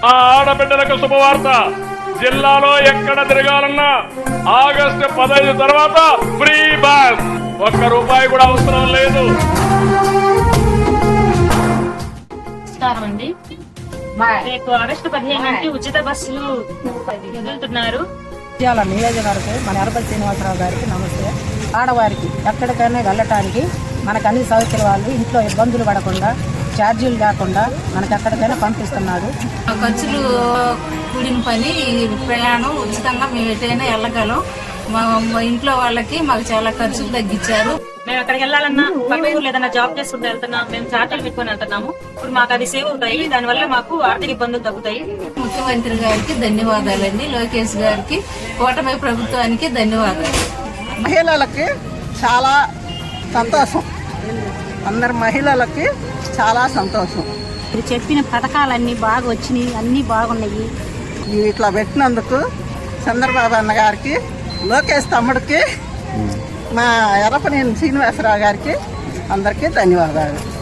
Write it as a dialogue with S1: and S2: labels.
S1: ఆ ఆడబిడ్డలకు శుభవార్త. జిల్లాలో ఎక్కడ తిరగాలన్నా ఆగస్టు 15 తర్వాత ఫ్రీ బస్, ₹1 కూడా అవసరం లేదు.
S2: అండి రేపు ఆగస్టు 15 ఉచిత బస్సులు వదులుతున్నారు.
S3: నియోజకవర్గం మన ఎర్రపల్లి శ్రీనివాసరావు గారికి నమస్తే. ఆడవారికి ఎక్కడికైనా వెళ్ళటానికి మనకు అన్ని సౌకర్యాలు, ఇంట్లో ఇబ్బందులు పడకుండా, ఛార్జీలు లేకుండా మనకు ఎక్కడికైనా పంపిస్తున్నాడు.
S4: ఖర్చులు కూడిన పని, ప్రయాణం ఉచితంగా మేము ఎటైనా వెళ్ళగలం. మా ఇంట్లో వాళ్ళకి మాకు చాలా ఖర్చులు తగ్గించారు.
S2: మేము ఎక్కడికి వెళ్ళాలన్నా పక్క ఊర్లో ఏదైనా జాబ్ చేసుకుంటూ వెళ్తున్నాం, మేము ఛార్జీలు పెట్టుకుని వెళ్తున్నాము. ఇప్పుడు మాకు అది సేవ్ అవుతాయి, దానివల్ల మాకు ఆర్థిక ఇబ్బందులు తగ్గుతాయి.
S4: ముఖ్యమంత్రి గారికి ధన్యవాదాలండి, లోకేష్ గారికి, కూటమి ప్రభుత్వానికి ధన్యవాదాలు.
S3: మహిళలకి చాలా సంతోషం, అందరు మహిళలకి చాలా సంతోషం.
S5: మీరు చెప్పిన పథకాలన్నీ బాగా వచ్చినాయి, అన్నీ బాగున్నాయి.
S3: ఇట్లా పెట్టినందుకు చంద్రబాబు అన్న గారికి, లోకేష్ తమ్ముడికి, మా ఎర్రపల్లి శ్రీనివాసరావు గారికి అందరికీ ధన్యవాదాలు.